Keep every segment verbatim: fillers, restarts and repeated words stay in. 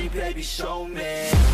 baby show me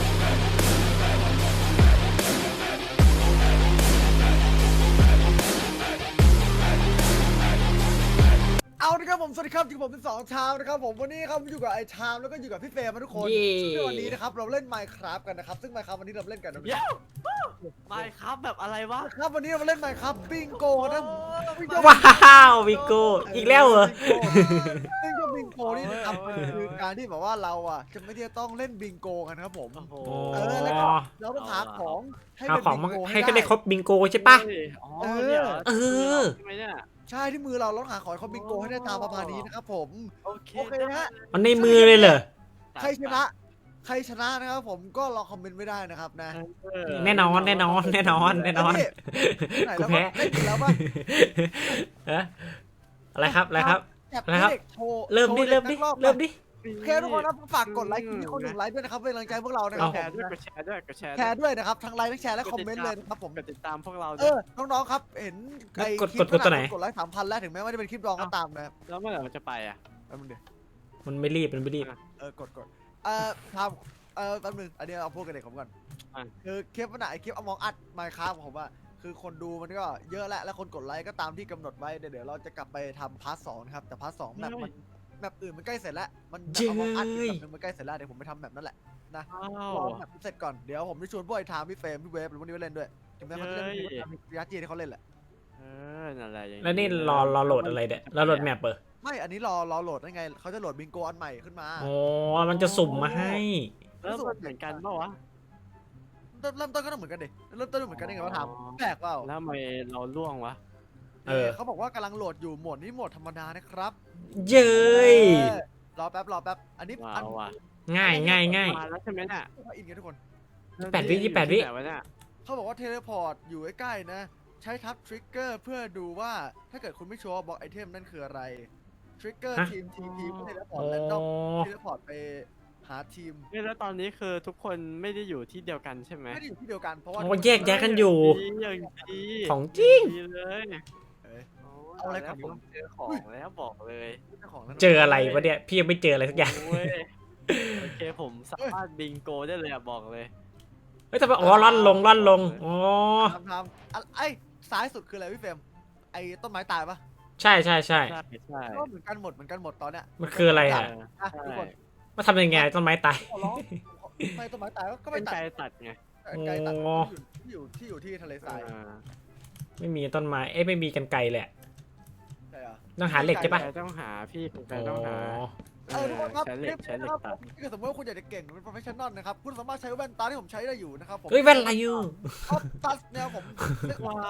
เอาละครับผมสวัสดีครับอยู่กับผมเป็นสองชามนะครับผมวันนี้ครับอยู่กับไอ้ชามแล้วก็อยู่กับพี่เฟรมทุกคนซึ่งวันนี้นะครับเราเล่น Minecraft กันนะครับซึ่ง Minecraft วันนี้เราเล่นกันนะเย้ไม่ครับแบบอะไรวะครับวันนี้เราเล่น Minecraft บิงโกนะว้าววิโก้อีกแล้วเหรอซึ่งก็บิงโกนี่นะครับคือการที่แบบว่าเราอ่ะจะไม่ได้ต้องเล่นบิงโกกันครับผมโอ้โหเออแล้วก็เราต้องหาของให้เอาเป็นของบิมางโกให้ก็ได้ครบบิงโกใช่ปะอ๋อเนี่ยเออใช่ไหมเนี่ยใช่ที่มือเราเราต้องหาของให้เขาบิงโกให้ได้ตามประมาณนี้นะครับผมโอเคโอเคนะฮะมันในมือเลยเหรอใครชนะใครชนะนะครับผมก็รอคอมเมนต์ไม่ได้นะครับนะแน่นอนแน่นอนแน่นอนแน่นอนไหนกูแล้วแพ้เล่นอยู่แล้วป่ะเอ๊ะอะไรครับอะไรครับแอบอะไรครับเด็กโชว์เริ่มดิโชว์เริ่มดิด็กนักอบเริ่มดิโอเคทุกคนนะฝากกดไลค์คลิปนี้คนหนึ่งไลค์ด้วยนะครับเป็นกำลังใจพวกเรานะครับแชผมร์ด้วยกดแชร์ด้วยกดแชร์แชร์ด้วยนะครับทั้งไลค์ทั้งแชร์และคอมเมนต์เลยนะครับผมกดติดตามพวกเราเออน้องๆครับเห็นไอ้กดคลิกปดกดตัวไหนกดไลค์สามพันแล้วถึงแม้ว่าจะเป็นคลิปรองก็ตามนะครับแล้วเมื่อไหร่มันจะไปอ่ะแป๊บนึงเดี๋ยวมันไม่รีบมันไม่รีบเออกดกดเออทำเออแป๊บนึงอันนี้เอาพูดกันเด็กผมก่อนคือคลิปมันอะไอคลิปอมองอัดไมค์ครับผมอะคือคนดูมันก็เยอะแล้วและคนกดไลค์ก็ตามที่กำหนดไว้เดี๋ยวเราจะกลับไปทำพาร์ทสองนะครับแต่พาร์ทสองแบบมันแบบอื่นมันใกล้เสร็จแล้วมันแบบอมองอัดอีกแบบนึงมันใกล้เสร็จแล้วเดี๋ยวผมไปทำแบบนั้นแหละอ้ารอวแบบเสร็จก่อนเดี๋ยวผมจะชวนพวกไอ้ทามพี่เฟรมพี่เวฟหรือพวกนี้ไปเล่นด้วยถึงแม้เขาจะเล่นวิอาร์จีที่เขาเล่นแหละเออนั่นแหละอย่างแล้วนี่รอรอโหลดอะไรเนี่ยรอโหลดแมปเปอร์ไม่อันนี้รอรอโหลดได้ไงเขาจะโหลดบิงโกอันใหม่ขึ้นมาอ๋อมันจะสุ่มมาให้เริ่มเหมือนกันเปล่าวะเริ่มต้นก็ต้องเหมือนกันดิเริ่มต้นเหมือนกันได้ไงวะทามแปลกเปล่าแล้วทำไมเราล่วงวะเออเขาบอกว่ากำลังโหลดอยู่โหมดนี้โหมดธรรมดานะครับเย้ยรอแป๊บรอแป๊บอันนี้ว้าอันวว่ะง่ายง่ายง่ายมาแล้วใช่ไหมเนี่ยอินกันทุกคนยี่สิบแปดวิยี่สิบแปดวิไหนวะเนี่ยเขาบอกว่าเทเลพอร์ตอยู่ใกล้ๆนะ ใช้ทับทริกเกอร์เพื่อดูว่าถ้าเกิดคุณไม่ชัวร์บอกไอเทมนั่นคืออะไรทริกเกอร์ทีมทีทีเทเลพอร์อ๋ตอแรนดอมเทเลพอร์ตไปหาทีมเฮ้ยแล้วตอนนี้คือทุกคนไม่ได้อยู่ที่เดียวกันใช่ไหมไม่ได้อยู่ที่เดียวกันเพราะว่าโอ้แยกแยะกันอยู่ดีอย่างดีของจริงดีเลยเอ้ยโเอาอะไรก่อนแล้วผมเจอของแล้วบอกเลยเจ้าของนั้นเจออะไรวะเนี่ยพี่ยังไม่เจออะไรสักอย่างโอ้ยโอเคผมสามารถบิงโกได้เลยอะบอกเลยเฮ้ยทำไมอ๋อล่อนลงล่อนลงอ๋อทำทำอะไอ้ซ้ายสุดคืออะไรพี่เฟรมไอ้ต้นไม้ตายปะใช่ใช่ใช่ใช่ใช่ก็เหมือนกันหมดเหมือนกันหมดตอนเนี้ยมันคืออะไรอ่ะอ่ะทุกคนมาทำยังไงต้นไม้ตายขอร้องไม่ต้นไม้ตายก็เป็ไม่นตัดไกลตัดไงไกลตัดโอ้ที่อยู่ที่อยู่ที่ทะเลทรายอ่าไม่มีต้นไม้เอ้ยไม่มีกันไกลแหละใช่เหรอต้องหาเหล็กใช่ปะใครต้องหาพี่คุณใครอ๋ต้องหาอเออทุกคนครับใช้เหล็กใช้เหล็กตัดถ้าเกิดสมมติว่าคุณอยากจะเก่งเป็นโปรเฟชชั่นอลนะครับคุณสามารถใช้แว่นตาที่ผมใช้ได้อยู่นะครับผมเฮ้ยแว่นอะไรอยู่ออฟตัสเนี่ยผมว้าว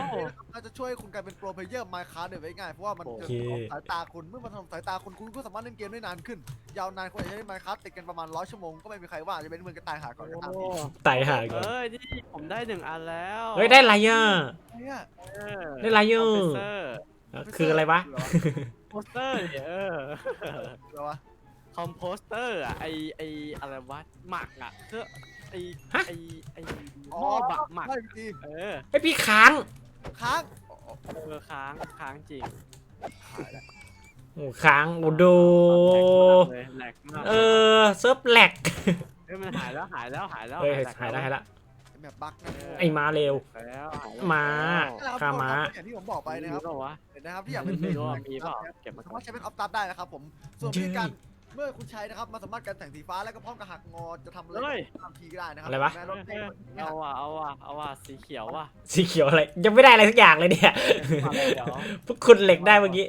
เราจะช่วยคุณกลายเป็นโปรเพลเยอร์ไมค์คาร์ดได้ง่ายเพราะว่ามันจะถนอมสายตาคุณเมื่อมันถนอมสายตาคุณคุณก็สามารถเล่นเกมได้นานขึ้น ยาวนานคุณอาจจะใช้ไมค์คาร์ดติดกันประมาณร้อยชั่วโมงก็ไม่มีใครว่าจะเป็นเมืองกระต่ายหาก่อนก็ตามโอ้ตายหาก่อนเอ้ยนี่ผมได้หนึ่งอันแล้วเฮ้ยได้ไรอ่ะเนี่ยเออได้ไรอยู่คอมเพรสเซอร์คืออะไรวะโปสเตอร์เนี่ยเออเหรอวะคอมโพสเตอร์อะไอไออะไรวะหมักอะเพื่อไอฮะไอไอหม้อบักหมักใช่ดีเออไอพี่ค้างค้างเออค้างค้างจริงโอ้ค้างโอ้โดเลยแหลกมากเออเซิร์ฟแหลกเฮ้ยมันหายแล้วหายแล้วหายแล้วเฮ้ยแลกหายแล้วหายแล้วแบบบั๊กนะไอ้มาเร็วแล้วหายแล้วม้าแล้วฆ่าม้าอย่างที่ผมบอกไปนะครับมีเปล่าวะเห็นนะครับที่อยากเป็นไม่รู้ว่ามีเปล่าเก็บมาสาก่อมาน รถใช้เป็นออฟตัสได้นะครับผมส่วนวิธีการเมื่อคุณใช้นะครับมันสามารถกันแสงสีฟ้าแล้วก็พร้อมกับหักงอจะทำอะไรเฮ้ยทำทีก็ได้นะครัอะไรวะแม้รถเต้นเนี่ยเอาว่ะเอาว่ะเอาว่ะสีเขียวว่ะสีเขียวอะไรยังไม่ได้อะไรสักอย่างเลยเนี่ยมาเลยเดี๋ยวพวกคุณเหล็กได้เมื่อกี้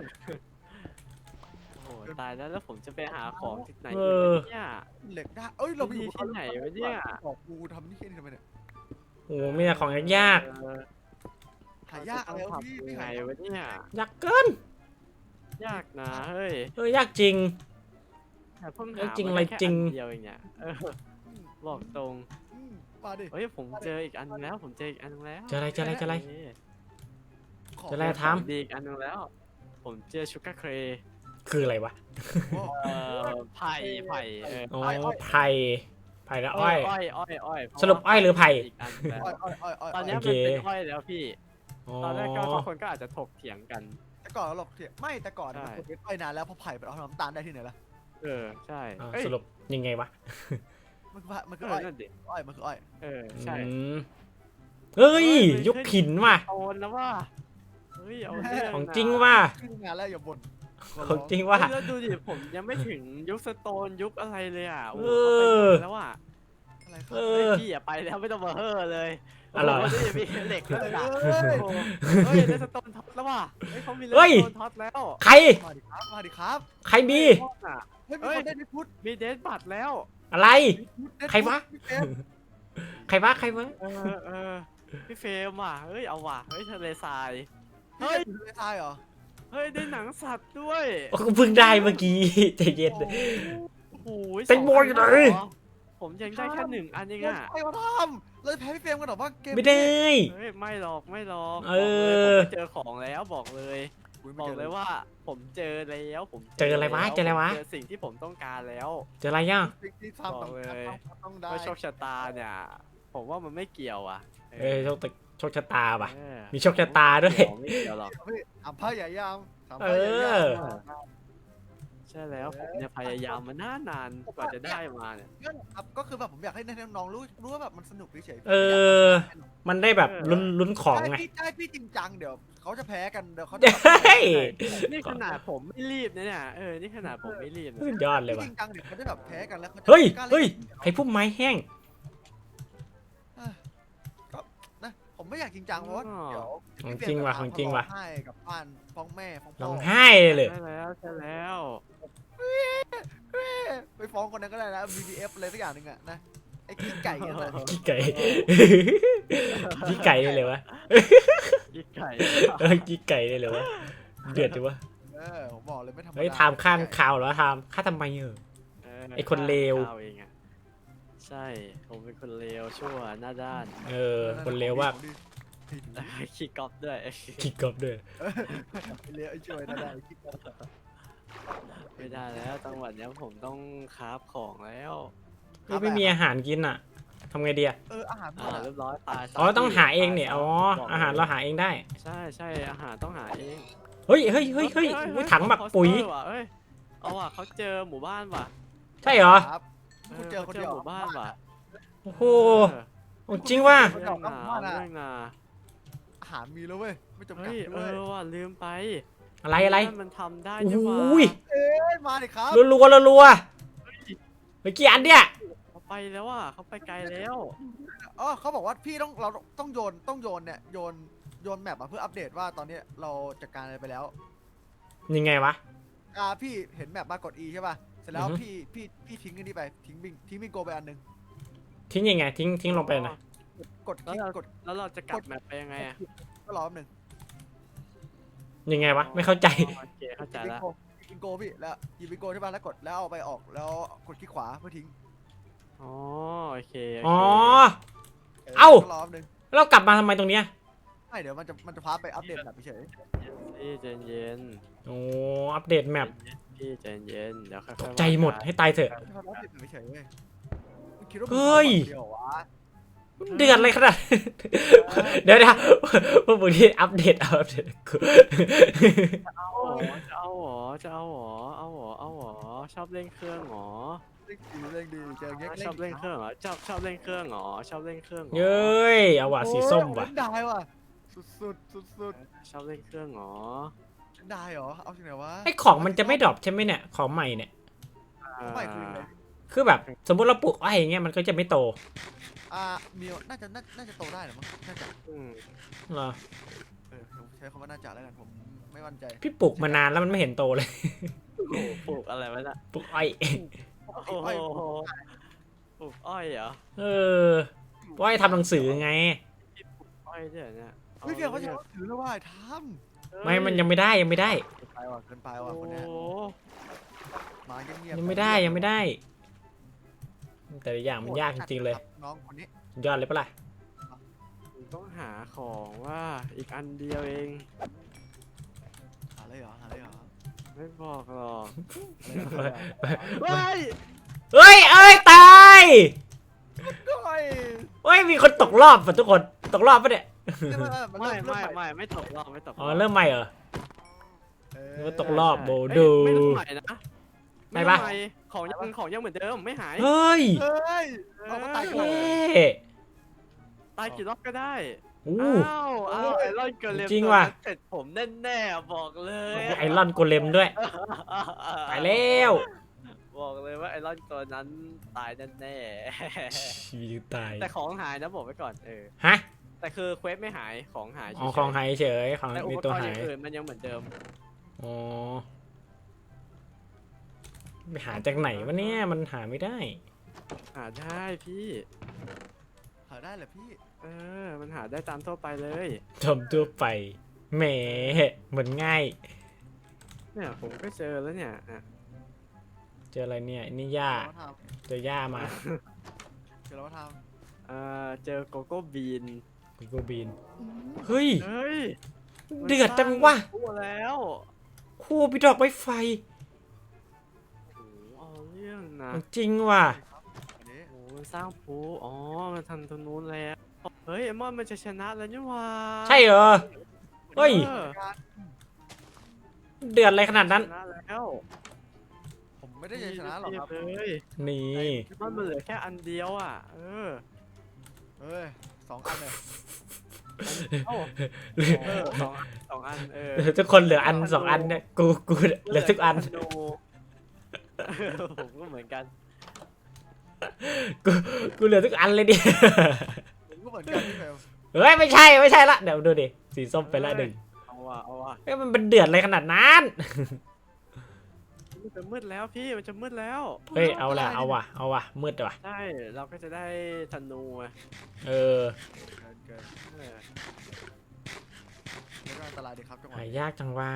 โอ้โหตายแล้วแล้วผมจะไปหาของที่ไหนเออีกอเนี่ยเหล็กได้เอ้ยเราไปอยู่ที่ไหนวะเนี่ยบอกกูทำนี่แค่นี้ทำไมเนี่ยโอ้มีแต่ของยากเออหายากอะไรวะพี่ยัพี่งไงหายากวะเนี่ยๆยากเกินยากนะเฮ้ยเออยากจริงแต่เพิ่งเอ้หายจริงมาอะไรแค่จริงอันเดียวเองเนี่ยเออบอกตรงอืมมาดิเฮ้ยผมเจออีกอันนึงแล้วผมเจออีกอันนึงแล้วเจออะไรเจออะไรเจออะไรเอ้ยขอจะไล่ ทำดีอีกอันนึงแล้ว ผมเจอชูการ์เครคืออะไรวะโอ้เอ่อไผ่ไผ่เอออ๋อไผ่ไผ่กับอ้อยอ้อยอ้อยอ้อยเพาะสรุปอ้อยหรือไผ่กอันแล้วอ้อยอ้อยอ้อยอ้อยตอนเนี้ยโอมันเคเป็นอ้อยแล้วพี่อ๋อตอนแรกก็ทุกคนก็อาจจะถกเถียงกันแต่ก่อนเราหลอกเถียงไม่แต่ก่อนนะใช่มันเป็นอ้อยนานแล้วเพราะไผ่ไปเอาน้ำตาลได้ที่ไหนล่ะเออใช่อ้าวเอ้ยสรุปยังไงวะมันคือมันเอคือออ้อยนั่นดิอ้อยมันคืออ้อยเออใช่อืมเฮ้ยเฮ้ยยกหินว่ะโอนแล้วว่าเฮ้ยเอาเรื่องของนะจริงว่ะขึ้นงานแล้วอย่าบ่นขอขร้องจริงว่ะเฮ้ยแล้วดูดิผมยังไม่ถึงยุคสโตนยุคอะไรเลยอ่ะโอ้โหเออเขาไปแล้วอ่ะอะไรครัเอบเฮ้ยอพี่อย่าไปแล้วไม่ต้องมาเฮ่อเลยอะไรโโหนี่มีเหล็กด้วยนะเฮ้ยโอ้โหเฮ้ยเลสโตนท็อตแล้วว่ะเฮ้ยเขามีเลเฮ้สยโตนท็อตแล้วใครมาดิครับมาดิครับใครมีโคตรอ่ะเฮ้ยมีเฮ้ยคนได้ดิพุทธมีเดสบัตแล้วอะไรเดดใครวะพี่เฟรมใครวะใครวะเออเออพี่เฟรมว่ะเฮ้ยเอาว่ะเฮ้ยทะเลทรายเฮ้ยอยู่ในทรายเหรอเฮ้ยได้หนังสัตว์ด้วยโอ้กูเพิ่งได้เมื่อกี้ ใจเย็นโอ้โหเต็มโบยอยู่ไหนสงอัแล้วเหรอผมยังได้แค่หนึ่งอันเองอ่ะใครมาทำเลยแพ้พี่เฟรมกันหรอว่าเกมไม่ได้เฮ้ยไม่หรอกไม่หรอกเอบอกเลยผมอไปเจอของแล้วบอกเลย บอกเลยว่าผมเจอแล้วผมเจออะไรวะแล้วเจออะไรวะผมเจอสิ่งที่ผมต้องการแล้วเจออะไรย่ะสิ่งที่ทำต้องบอกเลยต้องได้ว่าโชคชะตาเนี่ย ผมว่ามันไม่เกี่ยวอ่ะเอ้ยโชคตะโชคชะตาป่ะเออมีโชคชะตาด้วยไม่เกี่ยวหรอกพี่ทำผ้าใหญ่ยามทำเอผ้าใหญ่ยามอใช่แล้วผมเนี่ยพยายามมานานนานๆกว่าจะได้มาเนี่ยนั่นแหละครับก็คือแบบผมอยากให้น้องๆรู้รู้ว่าแบบมันสนุกเฉยๆเออ มันได้แบบลุ้นลุ้นของใช่ไงพี่ใช่พี่จริงจังเดี๋ยวเขาจะแพ้กันเดี๋ยวเขาจะเฮ้ยนี่ขนาดผมไม่รีบนะเนี่ยเออนี่ขนาดผมไม่รีบนะสุดยอดเลยพี่ว่ะจริงจังเดี๋ยวเขาจะแบบแพ้กันแล้วเขาจะเฮ้ยกล้าล่นเฮ้ย ใครพุ่มไม้แห้งก็นะผมไม่อยากจริงจังเพราะว่าเดี๋ยวของจริงว่ะของจริงว่ะร้อไห้กับบ้านฟ้องแม่ฟ้องพ่ร้อองไห้เลยใช่แล้วใช่แล้วไปฟ้องคนนั้นก็ได้นะ บี บี เอฟ อะไรสักอย่างหนึ่งอะนะไอ้ขี้ไก่นั่นแหละขี้ไก่ ขี้ไก่ได้เลยวะยิ่งไก่เออขี้ไก่ได้เลยวะ เดือดจังวะเออผมบอกเลยไม่ธรรมดาเฮ้ยถามข้ามข่าวเหรอถามข้าทำไมเออ ไอ้คนเลวข้าเองอะใช่ผมเป็นคนเลวชั่วหน้าด้านเออ คนเลวว่ากขี้ก๊อปด้วยขี้กบด้วยเลวไอ้ช่วยนะได้ขี้กบไม่ได้แล้วจังหวะเนี้ยผมต้องคราฟของแล้วก็ไม่มีอาหารกินอ่ะทำไงดีอ่ะเอออาหารหมอ่าดอะเรียบร้อยตายอ๋อต้องหาเองเนี่ย อ๋อบกลยอาหารเราหาเองได้ใช่ใช่อาหารต้องหาเองเฮ้ยเฮ้ยเฮ้ยเฮ้ยอุ๊ยถังหมักปุ๋ยเออว่ะเอ้ยเอาว่ะเขาเจอหมู่บ้านว่ะใช่เหรอครับคุณเจอคนเดียวหมู่บ้านว่ะโอ้โหจริงว่ะเรื่องนาเรื่องนาอาหารมีแล้วเว้ยไม่จำกัเฮ้ดยเอด้วยอว่ะลืมไปอะไรอะไรบ้านมันทำได้โอ้นี่โหหว่ายเอ้ยมาดิครับรัวรัวรัวเมื่อกี้อันเนี่ยเขาไปแล้วอ่ะเขาไปไกลแล้วอ๋อเขาบอกว่าพี่ต้องเราต้องโยนต้องโยนเนี่ยโยนโยนแมปมาเพื่ออัปเดตว่าตอนนี้เราจัดการอะไรไปแล้วยังไงวะอ่าพี่เห็นแมปมากด E ใช่ป่ะเสร็จแล้วอือฮึพี่พี่พี่ทิ้งอันนี้ไปทิ้งบิงทิ้งบิงโกไปอันหนึงทิ้งยังไงทิ้งทิ้งลงไปนะกดคแล้วลิกเรากดแล้วเราจะกลับแมปไปยังไงอ่ะก็รอแป๊บหนึงยังไงวะไม่เข้าใจโอเคเข้าใจบิงแล้วโกบิงโกพี่แล้วหยิบบิงโกใช่ป่ะแล้วกดแล้วเอาไปออกแล้วกดคลิกขวาเพื่อทิ้งอ๋อโอเคอ๋อเออเอ้าก็รอแป๊บหนึงเรากลับมาทำไมตรงเนี้ยไม่เดี๋ยวมันจะมันจะพาไปอัปเดตแบบเฉยพี่ใจเย็นโอ้อัปเดตแมปพี่ใจเย็นเดี๋ยวค่อยๆตกใจหมดให้ตายเถอะๆให้มันอัปเดตแบบเฉยๆเว้ยมึงคิดว่ามึงเฮ้ยทำคนเดียววะเดือดเลยขนาด เดี๋ยวนะพวกมึงที่อัปเดตเอาอัปเดตกูเอาหรอจะเอาหรอจะเอาหรอเอาหรอเอาหรอชอบเล่นเครื่องหรอเล่นดีเล่นดีเจอเงี้ยชอบเล่นเครื่องเหรอชอบชอบเล่นเครื่องเหรอชอบเล่นเครื่องหรอเย้ยเอาว่ะสีส้มว่ะเล่นได้ว่ะสุดสุดสุดสุดชอบเล่นเครื่องเหรอๆเล่นได้เหรอเอาที่ไหนวะไอของมันจะไม่ดรอปใช่ไหมเนี่ยของใหม่เนี่ยไม่คือเลยคือแบบสมมติเราปลูกอ้อยอย่างเงี้ยมันก็จะไม่โตอ่ามีน่าจะน่าน่าจะโตได้เหรือมั้งน่าจะอืมเหรอเออผมใช้คำว่าน่าจะแล้วกันผมไม่มั่นใจพี่ปลูกมานานแล้วมันไม่เห็นโตเลยโอ้โหปลูกอะไรไว้น่ะปลูกอ้อยโอ้โหปลูกอ้อยเหรอเอออ้อยทำหนังสือไงอ้อยเนี่ยเนี่ยเฮ้ยเพียงเขาจะถือแล้วว่าทไม่มันยังไม่ได้ยังไม่ได้ำไปว่ะเกินไปโอ้ว่ะคนเนี้ยโหมาเงียบๆยังไม่ได้ยังไม่ได้ แต่ละอย่างมันยากจริงๆเลยน้องคนนี้ยอดเลยปะล่ะผมต้องหาของว่าอีกอันเดียวเองหาเลยเหรอหาเลยเหรอไม่บอกหรอกเฮ้ยเฮ้ยเอ้ยตายก้อยเฮ้ยมีคนตกรอบป่ะทุกคนตกรอบปะเนี่ยไม่ไม่ไม่ไม่ตกรอบไม่ตกรอ๋ออบ เริ่มใหม่เหรอเอนึกอว่าตกรอบ โบเอ้ยดูไม่ต้องใหม่นะได้ปะทำมของยังของยังเหมือนเดิมไม่หายเฮ้ยเฮ้ยเอามาตายเก่อนท่ตายกี่รอบก็ได้อู้อ้าวอ้าวไอรอนเกลเลมจริงว่ะตัวนั้นเสร็จผมแน่ๆบอกเลยไอรอนโกเลมด้วยตายแล้วบอกเลยว่าไอรอนตัวนั้นตายแน่ชีวิตตายๆแต่ของหายนะบอกไว้ก่อนเออฮะแต่คือเควสไม่หายของหายเฉยๆอ๋อของหายเฉยของแต่อุมีปตัวกรณ์อหาย่าย งอื่นมันยังเหมือนเดิมอ๋อไปหาจากไหนวะเนี่ยมันหาไม่ได้หาได้พี่หาได้เหรอพี่เออมันหาได้ตามทั่วไปเลยทำตัวไปแหมเหมือนง่ายเนี่ยผมก็เจอแล้วเนี่ยอ่ะเจออะไรเนี่ยนี่หญ้าเราทเจอหญ้ามาำเดี๋ยวเราทเออเจอโกโก้บีนกูโกบีนเฮ้ยเฮ้ยเดือดจังวะตัวแล้วคู่พี่ดอกไม้ไฟโอ้โหเอาเรื่องนะมันจริงว่ะำอันนี้โอ้โหมันสร้างภูอ๋อมันทำตรงนู้นแล้วเฮ้ยไอมอนมันจะชนะแล้วนี่หว่าใช่เหรอ เฮ้ยออเดือดอะไรขนาดนั้นชนะแล้วผมไม่ได้จะชนะหรอกครับเลยนี่มันเหลือแค่อันเดียวอ่ะ เออเฮ้ยสองอันเลยเอ้าเออสองอันสองอันเออทุกคนเหลืออันสองอันเนี่ยกูกูเหลือทุกอันธนูผมก็เหมือนกันกูกูเหลือทุกอันเลยดิผมก็เหมือนกันพี่เฟลเฮ้ยไม่ใช่ไม่ใช่ละเดี๋ยวดูดิสีส้มไปละหนึ่งเอาว่ะเอาว่ะเอ้ยมันเป็นเดือดอะไรขนาดนั้นมันจะมืดแล้วพี่มันจะมืดแล้วเฮ้ยเอาละเอาว่ะเอาว่ะมืดว่ะใช่เราก็จะได้ธนูอะเออเกินเกินเออแล้วก็อันตรายดีครับจังหวะหานี้ยากจังวะ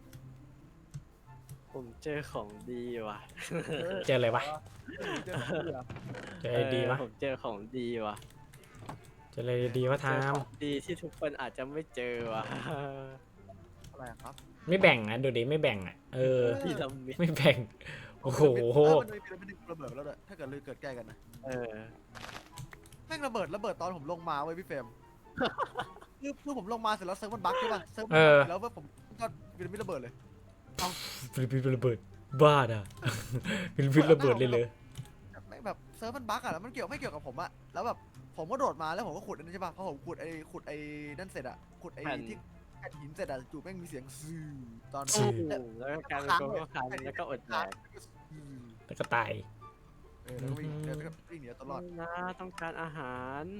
ผมเจอของดีว่ะเจออะไรวะเจอของดีอะเจออะไรดีวะเออผมเจอของดีว่ะเจออะไรดีวะเจทาอขมองดีที่ทุกคนอาจจะไม่เจอว่ะอะไรอะครับไม่แบ่งอ่ะดูดิไม่แบ่งอ่ะเออพีระมิดไม่แบ่งโอ้โหเออมันมีพีระมิดหนึ่งระเบิดไปแล้วด้วยถ้าเกิดลือเกิดแก้กันนะเออแม่งระเบิดระเบิดตอนผมลงมาเว้ยพี่เฟรม คือคือผมลงมาเสร็จแล้วเซิร์ฟมันบั๊กใช่ป่ะเซิร์ฟมันบั๊กแล้วเว้ยผมก็พีระมิดระเบิดเลยฟิลิปปินส์ระเบิดบ้าด่ะ ฟิลิปปินส์ระเบิดเลยเลยแบบแม่งแบบเซิร์ฟมันบั๊กอะแล้วมันเกี่ยวไม่เกี่ยวกับผมอะแล้วแบบผมก็โดดมาแล้วผมก็ขุดอันนั้นใช่ป่ะพอผมขุดไอ้ขุดไอ้นั่นเสร็จอะขุดไอ้แผ่นที่แผ่นหินเสร็จอะจู่แม่งมีเสียงซื่อตอนโอ้โหแล้วก็กลายเป็นโกโก้คันแล้วก็อดแดกซื่อแล้วก็ตายเออแล้วก็วิ่งแล้วก็วิ่งหนีเอาตลอดนะต้องการอาหาร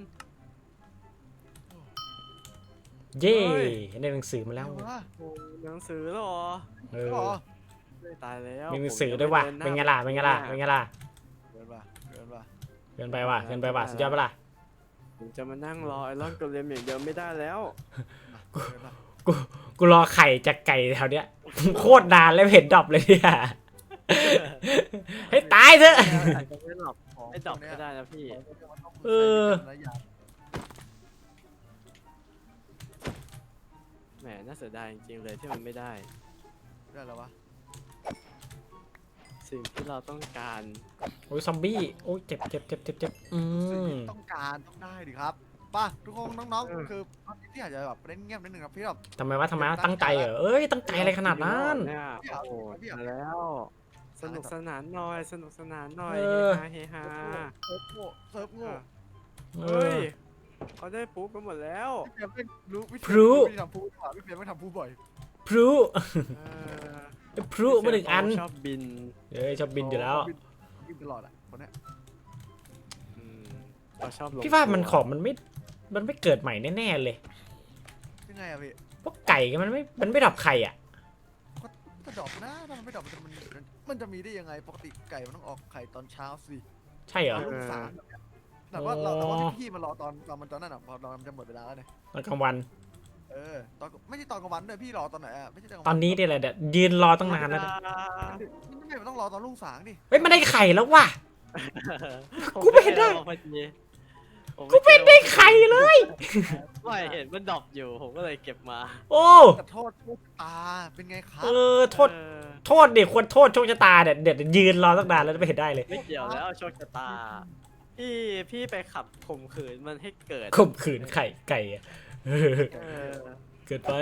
เย่เฮ้ยได้หนังสือมาแล้วเออวะโอ้หนังสือแล้วเหรอเอเอออไม่ตายแล้วมีหนังสือด้วยว่ะเป็นไงล่ะเป็นไงล่ะเป็นไงล่ะเกินป่ะเกินป่ะเกินไปว่ะเกินไปว่ะสุดยอดปะล่ะผมจะมานั่งรอไอรอนโกเลมอย่างเดียวไม่ได้แล้วเกินป่ะกูกูรอไข่จากไก่แถวเนี้ย โคตรนานแล้วเห็นดรอปเลยเนี่ย ให้ตายเถอะอาจจะไม่หลับของไม่ดรอปพวกเนี้ยก็ได้นะพี่ของพวกเนี้ยมันต้องเออใช้วิจารณญาณแหมน่าเสียดายจริงๆเลยที่มันไม่ได้ได้แล้ววะสิ่งที่เราต้องการโอ้ยซอมบี้โอ้ยเจ็บเจ็บเจ็บเจ็บเจ็บอืสิ่งมที่ต้องการต้องได้ดิครับป่ะทุกคนน้องๆคือตอนนี้ที่อาจจะแบบเล่นเงียบนิดนึงครับพี่แบบทำไมวะทำไมวะตั้งใจเหรอเอ้ยตั้งใจอะไรขนาดนั้นเนี่ยโอ้โหมาแล้ว สนุกสนานหน่อยสนุกสนานหน่อยเอเฮอฮาเฮฮาเซิร์ฟโง่เซิร์ฟโง่เอเฮ้อยเขาได้ปุ๊บกันหมดแล้วพี่เพียมไม่รู้วิธีพลุวิธีทำพูดกว่าพี่เพียมไม่ทำพูดบ่อยพลุเออพลุมาหนึ่งอันชอบบินเอ้ยชอบบินอยู่แล้วบินบินตลอดอ่ะคนเนี้ยอืมเขาชอบลงพี่ว่ามันตัวของมันไม่มันไม่เกิดใหม่แน่ๆเลยยังไงอะพี่พวกไก่มันไม่มันไม่ดับไข่อ่ะก็ดรอปนะถ้ามันไม่ดรอปมันจะมันมันจะมีได้ยังไงปกติไก่มันต้องออกไข่ตอนเช้าสิใช่เหรอลูกสามแบบเนี้ยแต่ว่าเราแต่ว่าพี่ๆมารอตอนตอนมันตอนนั้นอ่ะพอเรามันจะหมดเวลาแล้วเนี่ยตอนกลางวันเออตอนไม่ใช่ตอนกลางวันด้วยพี่รอตอนไหนอ่ะไม่ใช่ตอนกลางตวัอนนี้เนี่ยแหละเดี๋ยวยืนรอตั้งนานแล้วไม่ไม่ต้องรอตอนรุ่งสางดิเฮ้ยมันได้ไข่แล้วว่ะผมกูไม่เห็นได้ลองพอดีผมกูไม่ได้ไข่เลยไม่เห็นมันดรอปอยู่ผมก็เลยเก็บมาโอ้แต่โทษโชคชะตาเป็นไงครับเออโทษเออโทษดิควรโทษโชคชะตาเนี่ยเดี๋ยวยืนรอตั้งนานแล้วไม่เห็นได้เลยไม่เกี่ยวแล้วโชคชะตา พี่พี่ไปขับข่มขืนมันให้เกิดข่มขืนไข่ไก่อะเออเออเกิดไป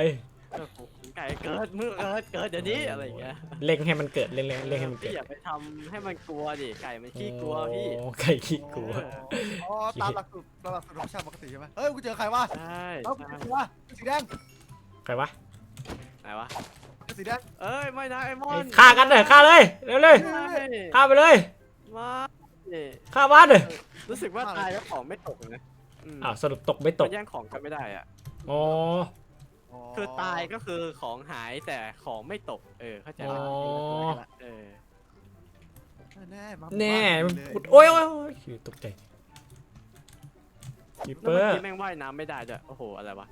เออไก่เกิดมือเกิดเกิดเดี๋ยวนี้อะไรอย่างเงี้ยเล่งให้มันเกิดเล่งเล่งเล่งให้มันเกิพี่ดอย่าไปทำให้มันกลัวดิไก่มันขี้กลัวพี่โอ้ไก่ขี้กลัวอ๋อตามหลักสูตรตามหลักสูตรของชาติปกติใช่ไหมเฮ้ยกูเจอใครวะใช่เอ้าใช่กูเจอวะสีแดงใครวะไหนวะสีแดงเอ้ยไม่นะไอ้มอไอ้นฆ่ากันเลยฆ่าเลยเร็วเลยไม่ฆ่าไปเลยมาเนี่ยฆ่าบ้านเลยรู้สึกว่าตายแล้วของไม่ตกนะมอ้าวสรุปตกไม่ตมักนแย่งของกันไม่ได้อ่ะอ๋อคือตายก็คือของหายแต่ของไม่ตก เออเข้าใจอ๋อปะเออแน่มาแน่มามันเลยพูดโอ้ยโอ้ยโอ้ยตกใจคีเปแล้วอเมื่อร์กี้แม่งว่ายน้ำไม่ได้ด้วยโอ้โหอะไรวะ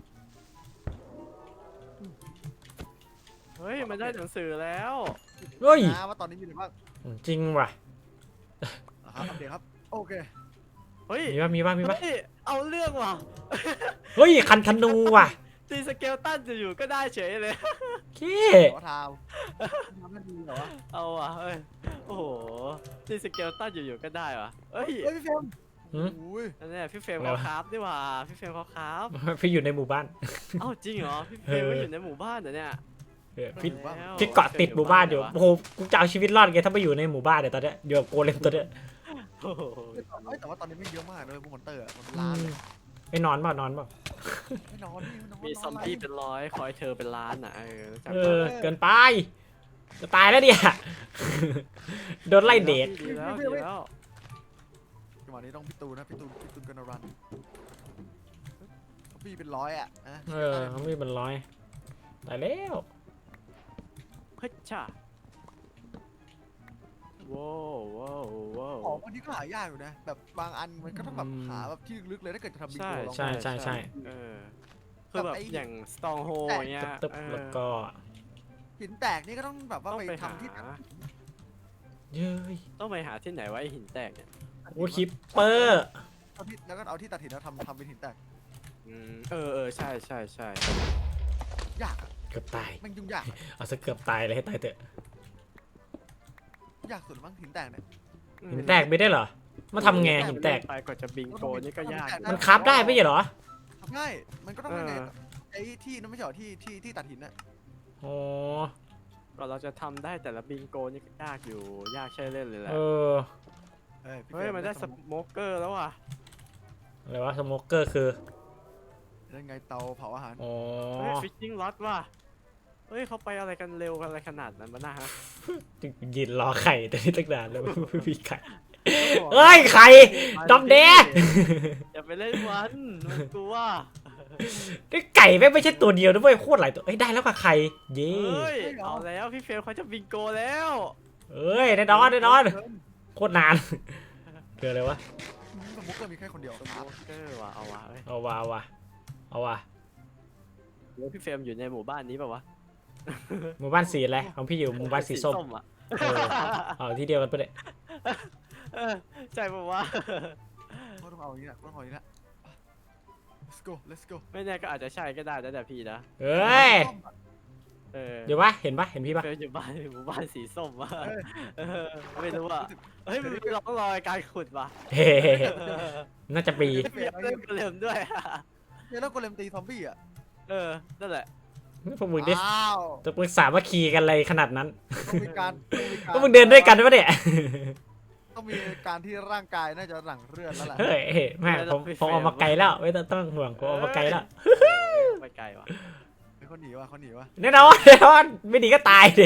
เฮ้ยมันได้หนังสือแล้วเฮ้ยนะว่าตอนนี้มีอะไรบ้างจริงว่ะนะครับอัปเดตครับโอเคเฮ้ยมีป่ะมีป่ะมีป่ะเฮ้ยเอาเรื่องว่ะเฮ้ยคันธนูว่ะตีสเกลตันจะอยู่ก็ได้เฉยเลยเคขอทาวทำได้ดีเหรอวะเอาว่ะเฮ้ยโอ้โหตีสเกลตันอยู่ๆก็ได้ว่ะเฮ้ยเฮ้ยพี่เฟรมหืมอุ้ยนั่นแหละพี่เฟรมเขาครับดีกว่าพี่เฟรมเขาครับพี่อยู่ในหมู่บ้านเอ้าจริงเหรอพี่เฟรมก็อยู่ในหมู่บ้านเหรอเนี่ยเออพี่แล้วพี่เกาะติดหมู่บ้านอยู่โอ้โหกูจะเอาชีวิตรอดไงถ้าไม่อยู่ในหมู่บ้านเนี่ยตอนเนี้ยอยู่กับโกเลมตัวเนี้ยโอ้โหเฮ้ยแต่ว่าตอนนี้ไม่เยอะมากเลยพวกมอนเตอร์อะมันอืล้านมเลยไม่นอนเปล่านอนเปล่าไม่นอนพี่ไม่นอนมีซอมบี้เป็นร้อยคอยเธอเป็นล้านอ่ะเออรู้จักเอปะอเกินไปจะตายแล้วเนี่ยโดนไล่เดทดีแล้วดีแล้วจังหวะนี้ต้องพี่ตูนนะพี่ตูนพี่ตูนกันรันพี่เป็นร้อยอ่ะนะเออเขาไม่เป็นร้อยตายแล้วเฮ้ยช่าว้าวว้าวว้าวของบางทีก็หายากอยู่นะแบบบางอันมันก็ต้องแบบหาแบบที่ลึกๆเลยถ้าเกิดจะทำบิงใช่โกลองใช่ใช่ใช่เออคือแบบอย่างสตองโฮอย่างเงี้ยตึ๊บเอๆอแล้วก็หินแตกนี่ก็ต้องแบบว่าต้องไปไปหาทำที่เย้ยต้องไปหาที่ไหนไวะไอ้หินแตกเนี่ยโอ้คิปเปอร์เอาที่แล้วก็เอาที่ตัดหินแล้วทำทำเป็นหินแตกอืมเออเออใช่ใช่ใช่ยากอะเกือบตายมันยุ่งยากอะเอาซะเกือบตายเลยให้ตายเถอะยากสุดมั้งหินแตกเนี่ยหินแตกไม่ได้เหรอมาทำไงหินแตกไปกว่าจะบิงโกนี่ก็ยากอยู่มันคราฟได้ไม่ใช่เหรอทำง่ายมันก็ต้องยังไงเออไอ้ที่นั่นไม่ใช่เหรอที่ที่ที่ตัดหินน่ะอ๋อก่อนเราจะทำได้แต่ละบิงโกนี่ก็ยากอยู่ยากใช่เล่นเลยแหละเออเฮ้ยพี่เฮ้ยมันได้สโมเกอร์แล้วว่ะอะไรวะสโมเกอร์คือได้ไงเตาเผาอาหารอ๋อเฮ้ยฟิชชิ่งล็อตว่ะเฮ้ยเขาไปอะไรกันเร็วกันอะไรขนาดนั้นมานะฮะยืนรอไข่แต่นี่ตั้งนานแล้วไม่มีไข่เอ้ยไข่ดอมแดงอย่าไปเล่นมันมันกลัวนี่ไก่ไม่งไม่ใช่ตัวเดียวนะเว้ยโคตรหลายตัวเอ้ยได้แล้วกับไข่เย้เฮ้ยเอาแล้วพี่เฟลเขาจะบิงโกแล้วเอ้ยแน่นอนแน่นอนโคตรนานเกิดอะไรวะสมมุติก็มีแค่คนเดียวสโมเกอร์ว่ะเอาว่ะเฮ้ยเอาวะเอาวะเอาวะเดี๋ยวพี่เฟรมอยู่ในหมู่บ้านนี้ป่าวะหมู่บ้านสีอะไรของพี่อยู่หมู่บ้านสีส้มอ่ะเออเอาที่เดียวกันปะเนี่ยเออใช่ป่าวะก็ต้องเอาอย่างนี้แหละก็ต้องเอาอย่างนี้แหละ let's go let's go ไม่แน่ก็อาจจะใช่ก็ได้นะแต่พี่นะเอ้ยเออเดี๋ยววะเห็นปะเห็นพี่ปะเฟรมอยู่บ้านหมู่บ้านสีส้มวะเอ้ยเออไม่รู้อ่ะเฮ้ยมันมีร่องรอยการขุดว่ะเฮ้น่าจะปีเปลี่ยนเล่นเกมด้วยเนี่ยแล้วโกเลมตีซอมบี้อ่ะเออนั่นแหละพวกมึงดิอ้าวจะปรึกษาว่าคีกันอะไรขนาดนั้นต้องมีการต้องมีการพวกมึงเดินด้วยกันปะเนี่ยต้องมีการที่ร่างกายน่าจะหลั่งเลือดแล้วแหละเฮ้ยแม่ผมผมออกมาไกลแล้วไม่ต้องต้องห่วงผมออกมาไกลแล้วไปไกลว่ะเขาหนีวะเขาหนีวะแน่นอนแน่นอนไม่ดีก็ตายดิ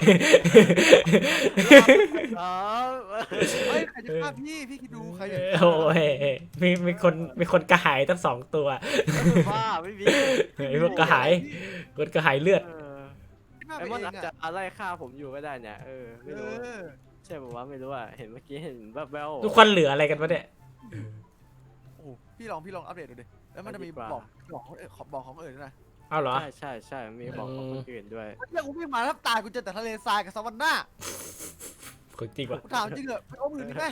อ๋อเฮ้ยใครจะฆ่าพี่พี่คิดดูใครจะโอ้ยมีมีคนมีคนกระหายตั้งสองตัวว่าไม่มีไอ้พวกกระหายคนกระหายเลือดเออฆ่าไอ้ไปมอนเออาจงจะอ่ะอะไรฆ่าผมอยู่ก็ได้เนี่ยเออเอไม่รู้อใช่ป่าวะไม่รู้อ่ะเห็นเมื่อกี้เห็นแบบแววทุกคนเหลืออะไรกันวะเนี่ยโอ้พี่ลองพี่ลองอัปเดตดูดิแล้วมันจะมีบอกบอกของเออขอบอกของเออด้วยนะเอาเหรอใช่ใช่ใช่มีบอกของคนอื่นด้วยเรื่องกูวิ่งมาแล้วตายกูเจอแต่ทะเลทรายกับสวรรค์หน้าคนจริงว่ะกูถามจริงเหรอไปเอามือนี่ไหม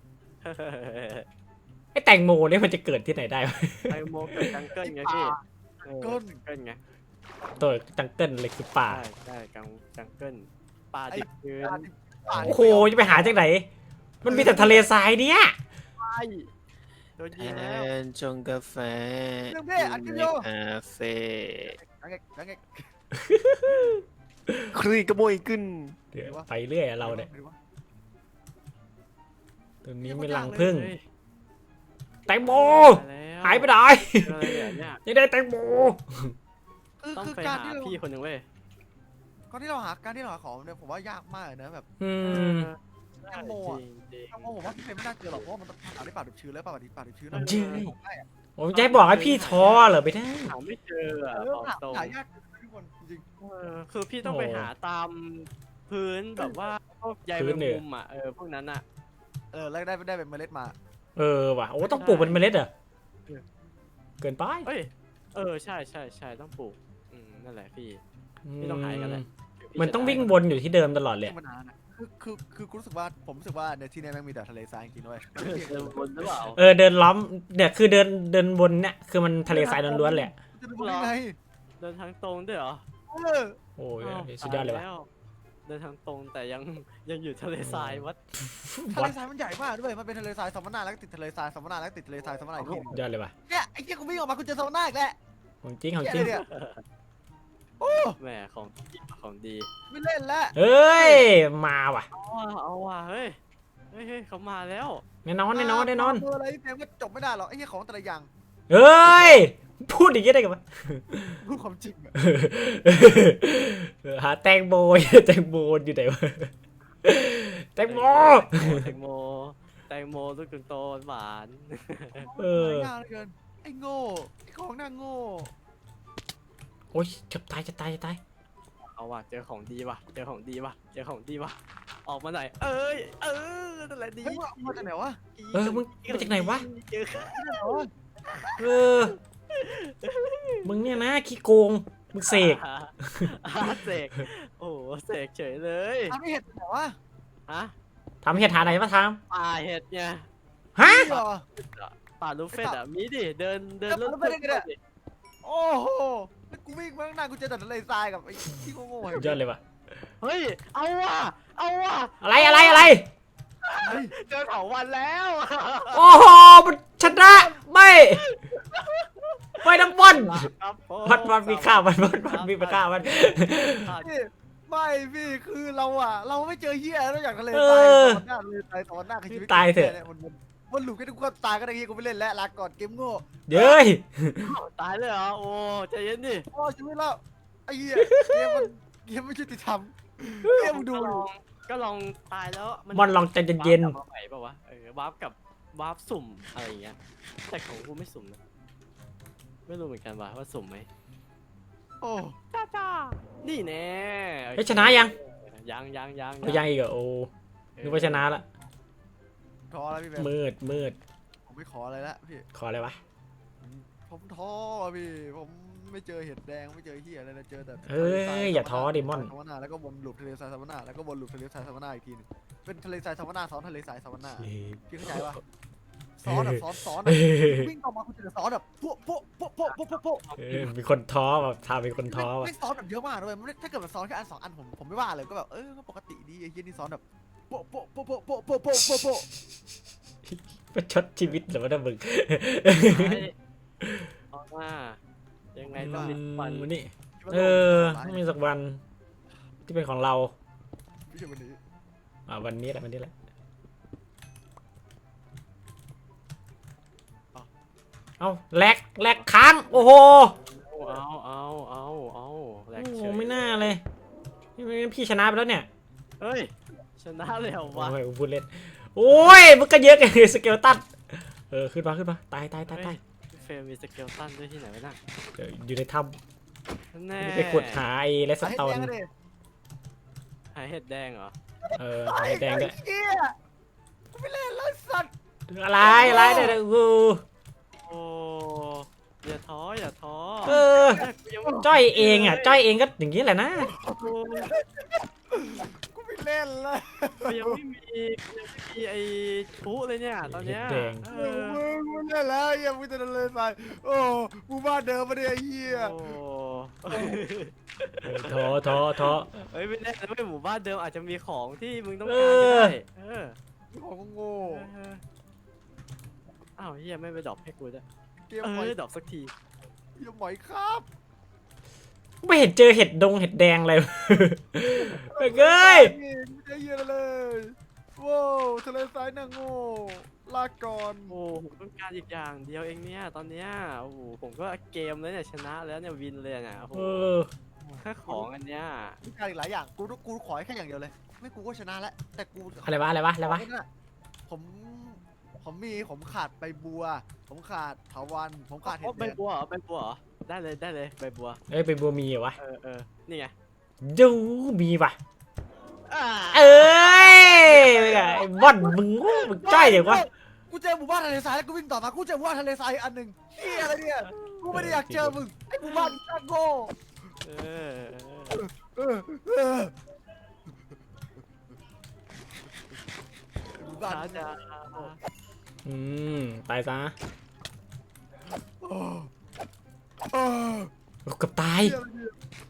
ไอ้แตงโมเนี่ยมันจะเกิดที่ไหนได้วะไอโมกับจังเกิลไงพี่เออเกินจังเกิลไงตัวจังเกิลเลยคือป่าใช่ใช่จังจังเกิลป่าดิบชื้นโอ้โหจะไปหาจากไหน มันมีแต่ทะเลทรายเนี่ยไปโดนยิงแล้วแอนชงกาแฟเรื่องเพ่อัดกันโยคาเฟ่ยังไงยังไงครีกระโมยขึ้นเดี๋ยวไปเรื่อยอะเราเนี่ยไม่รู้วะตรงนี้ไม่รังพึ่งเฮ้ยแตงโมมาแล้วหายไปไหนเจออะไรเนี่ยยังได้แตงโมคือต้องคือไปการหาที่เราพี่คนหนึ่งเว้ยการที่เราหาการที่เราหาของเนี่ยผมว่ายากมากเลยนะแบบอืมแตงโมจอะริงจริงแตงโมผมว่าพี่เฟรมไม่น่าเจอหรอกเพราะว่ามันต้องหาได้ป่าดิบชื้นแล้วป่าดิบป่าดิบชื้นนะจริงของได้อะผมจะให้บอกให้พี่ท้อเหรอไปได้หาไม่เจออ่ะเอบอกอหาตรงหายากทุกคนจริงเออคือพี่ต้องไปโอ้หาตามพื้นแบบว่าพวกใยพื้แมนงเนี่ยมุมอ่ะเออพวกนั้นอ่ะๆเออแล้วได้ได้เป็นเมล็ดมาเออว่ะโอ้ต้องปลูกเป็นเมล็ดเหรอเกินไปเอ้ยเออใช่ใช่ใช่ต้องปลูกอืมนั่นแหละพี่ พี่ต้องหากันแหละมันต้องวิ่งวนอยู่ที่เดิมตลอดเลยที่มันนานอะคือคือคือกูรู้สึกว่าผมรู้สึกว่าในที่นี้แม่งมีแต่ทะเลทรายจริงๆด้วยเดินบนหรือเปล่าเออเดินล้อมเนี่ยคือเดินเดินวนเนี่ยคือมันทะเลทรายล้วนๆเลยอะจะดูได้ไงเดินทางตรงด้วยเหรอเออโอ้ยอ้าวสุดยอดเลยว่ะตาแเดินทางตรงแต่ยังยังอยู่ทะเลทรายวัดทะเลทรายมันใหญ่มากด้วยมันเป็นทะเลทรายซัมมนาแล้วก็ติดทะเลทรายซัมมนาแล้วก็ติดทะเลทรายซัมมนาอีกทีหนึงยอดเลยว่ะเนี่ยไอ้เหี้ยกูวิ่งออกมากูเจอซัมมนาอีกแล้วของจริงของจเหี้ริยงเนี่ยโอ้แหมของดีของดีไม่เล่นแล้วเอ้ยมาว่ะเอาว่ะเอาว่ะเฮ้ยเฮ้ยเฮ้ยเขามาแล้วแน่นอนแน่นอนแน่นอนเบอร์อะไรเต็มก็จบไม่ได้หรอกไอ้เหี้ยของแต่ละอย่างเอ้ยพูดอย่างนี้ได้กันปะรู้ความจริงอะเออหาแตงโมแตงโมอยู่ไหนวะแตงโมแตงโมแตงโมลูกโตหวานเออยากเหลือเกินไอ้โง่ไอ้ของหน้าโง่โอ้ยจะตายจะตายจะตายเอาว่ะเจอของดีว่ะเจอของดีว่ะเจอของดีว่ะออกมาหน่อยเอ้ยเออนั่นแหละดีเฮ้ยมึงเอามาจากไหนวะเออมึงมาจากไหนวะเจอที่ไหนวะเออมึงเนี่ยนะขี้โกงมึงเสกอ่าเสกโอ้โหเสกเฉยเลยทำไม่เห็นไหนวะฮะทำเห็ดหาไหนมาทป่าเห็ดไงำฮะนี่เหรอป่าลูกเฟสอ่ะมีดิเดินเดินแล้วรถป่าลูกเฟสเนี่ยดิโอ้โหแล้วกูวิ่งมาข้างหน้ากูเจอแต่ทะเลทรายกับไอ้ที่โง่ๆสุดยอดเลยว่ะเฮ้ยเอาว่ะเอาว่ะอะไรอะไรอะไรเฮ้ยเจอเถาวันแล้วโอ้โหมันชนะไม่ไม่น้ำบอลครับผมบอลบอลมีข้าวมันบอลบอลมีปลาข้าวมันพี่ไม่พี่คือเราอะเราไม่เจอเหี้ยนอกจากทะเลเอทรายอตอนหน้าทะเลทรายตอนหน้าคือชีวิตตายเถอะนี่มันมันมันหลุดแค่ทุกคนตายก็ได้เหี้ยกูไม่เล่นแล้วลาก่อนเกมโง่เย้ยตายเลยเหรอโอ้ใจเย็นดิโอ้ชีวิตแล้วไอ้เหี้ยเกมมันเกมไม่ยุติธรรมเกมมึงดูก็ลดิองก็ลองตายแล้วบอลลองใจเย็นวาร์ปกลับมาใหม่ป่าวะเออวาร์ปกับวาร์ปสุ่มอะไรอย่างเงี้ยแต่ของกูไม่สุ่มนะไม่รู้เหมือนกันว่าว่าสุ่มไหมโอ้จ้าจ้านี่แน่ๆเฮ้ยชนะยังยังยังยังไม่ยังอีกเหรอโอ้นึกว่าชนะละท้อแล้วพี่แบมมืดมืดผมไม่ขออะไรละพี่ขออะไรวะผมท้อพี่ผมไม่เจอเห็ดแดงไม่เจอเหี้ยอะไรเลยเจอแต่เอ้ยอย่าท้อดิมอนซัมมนาแล้วก็วนลูปทะเลทรายซัมมนาแล้วก็วนลูปทะเลทรายซัมมนาอีกทีหนึงเป็นทะเลทรายซัมมนาซ้อนทะเลทรายซัมมนาพี่เข้าใจปะซ้อนแบบซ้อนซ้อนอะวิ่งต่อมาคุณจะซ้อนแบบพวกพวกพวกพวกพวกพวกพวกเออมีคนท้อแบบทาเป็นคนท้อว่ะไม่ซ้อนแบบเยอะมากเลยมันไม่ถ้าเกิดมันซ้อนแค่อันสองอันผมผมไม่ว่าเลยก็แบบเออก็ปกติดีไอ้เหี้ยนี่ซ้อนแบบโปะโปะโปะโปะโปะโปะโปะโปะโปะประชดชีวิตเหรือว่ามึงออกมายังไงต้องมีฟันวันนี้เออต้องมีสักวันที่เป็นของเราไม่ใช่วันนี้อ่าวันนี้แหละวันนี้แหละเอาแลกแลกค้างโอ้โหเอาเอาเอาเอาแหลโอ้กโหเฉยไม่น่าเลยนี่พี่ชนะไปแล้วเนี่ยเฮ้ยชนะเลยเหรอวะโอ้ยพูดเล่นโอ้ยมันก็เยอะกันสเกลตันเออขึ้นมาขึ้นมาตายตายตายตายเฟรมมีสเกลตันด้วยที่ไหนวะน่ะเดี๋ยวอยู่ในถ้แน่ำไปขุดหาไอ้เลสไอ้โตแดนงเลยหายเห็ดแดงเหรอเออหาไอ้แดงด้วยไอ้เหี้ยกูไม่เล่นแล้วสัตว์อะไรอะไรเดี๋ยวกูโอ้อย่าท้ออย่าท้อเออยังไม่จ้อยเองอ่ะจ้อยเองก็อย่างนี้แหละนะกูไม่เล่นแล้วยังไม่มียังไม่มีไอ้ชุเลยเนี่ยตอนเนี้ยเห็ดแดงเอมึองมึงเล่นแล้วยังมึงจะเล่นไปโอ้กูบ้านเดิมมาเนี่ยไอ้เหี้ยโอ้เออท้อท้อท้อเฮ้ยไม่แน่นะไม่หมู่บ้านเดิมอาจจะมีของที่มึงต้องเอการก็อได้เออของโง่เอออ้าวเฮียไม่ไปดรอปให้กูด้วยเกมเอหมอยอดรอปสักทีเกมหมอยครับไม่เห็นเจอเห็ดดงเห็ดแดงเลย เฮ้ยไม่ได้เยอะเลยว้าวทะเลทรายนางโง่ลาก่อนโอ้ผมต้องการอีกอย่างเดียวเองเนี่ยตอนเนี้ยโอ้โหผมก็เกมแล้วเนี่ยชนะแล้วเนี่ยวินเลยเนี่ยโอ้โหเออแค่ของอันเนี้ยมีการอีกหลายอย่างกูกูขอแค่อย่างเดียวเลย ไม่กูก็ชนะแล้วแต่กูอะไรวะอะไรวะอะไรวะผมผมมีผมขาดใบบัว ผมขาดเถาวันผมขาดเห็โอ้ดใบแดงบัวเหรอใบบัวเหรอได้เลยได้เลยใบบัวเอ้ยไปบัวมีเหรอวะเออเออนี่ไงดูมีว่ะอ่าเอ้ยไอ้บอนมึงมึงจ้อยเดี๋ยววะกูเจอหมู่บ้านทะเลทรายแล้วกูวิ่งต่อมากูเจอหมู่บ้านทะเลทรายอันหนึ่งเฮียอะไรเนี่ยกูไม่ได้อยากเจอมึงไอ้หมู่บ้านช่างโง่เออเออเออหมู่บ้านช้าจ้าอืมตายซะโอ้โอ้โอ้เกับตายเฮียอะไรเนี่ย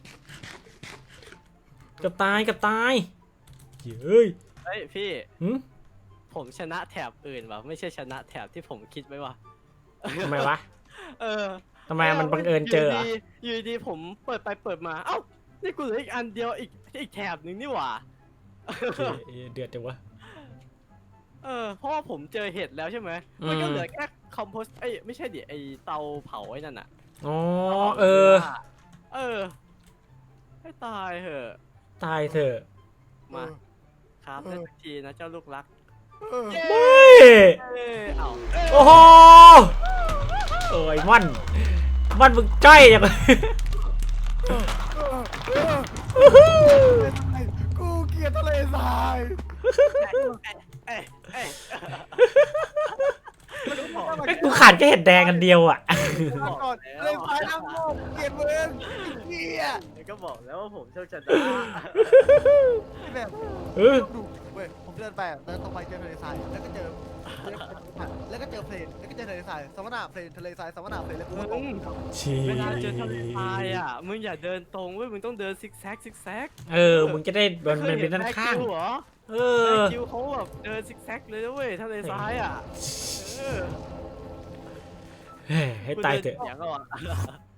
เกับตายเกับตายเฮ้ยเฮ้ยพี่หืมผมชนะแถบอื่นว่ะไม่ใช่ชนะแถบที่ผมคิดไว้ว่ะทำไมวะเออทำไมมันบังเอิญเจอเหรอยู่ดีอยู่ดีผมเปิดไปเปิดมาเอ้านี่กูเหลืออีกอันเดียวอีกอีกแถบหนึ่งนี่หว่าเอ้ยเดือดจังวะเออเพราะว่าผมเจอเห็ดแล้วใช่ไหมมันก็เหลือแค่คอมโพสเอ้ยไม่ใช่ดิไอเตาเผาไอ้นั่นอะอ๋อเออเออให้ตายเหอะตายเถอะมาครับได้สักทีนะเจ้าลูกรักเออเย้เฮ้ยเอ้ยเอาโอ้โหโอ้ยม่อนม่อนมึงจ้อยจังวะเออเออกูเกลียดทะเลทรายเอ้ยเอ้ยไอ้กูขาดแค่เห็ดแดงอันเดียวอ่ะมาก่อนทะเลทรายน้ำโง่เกลียดมึงเกลียดก็บอกแล้วว่าผมโชคชะตาแบบเออดูเว้ยผมเดินไปอะเดินตรงไปเจอทะเลทรายแล้วก็เจอแล้วก็เจอเพลนแล้วก็เจอทะเลทรายสมนาเพลนทะเลทรายสมนาเพลนแล้วกูก็ตกชีเวลาเจอทะเลทรายอ่ะมึงอย่าเดินตรงเว้ยมึงต้องเดินซิกแซกซิกแซกเออมึงจะได้มันมันเป็นด้านข้างเหรอเอแบอคิวเขาแบบเดินซิกแซกเลยนะเว้ยทะเลทรายอ่ะเออเฮ้ยให้ตายเถอะอย่างก็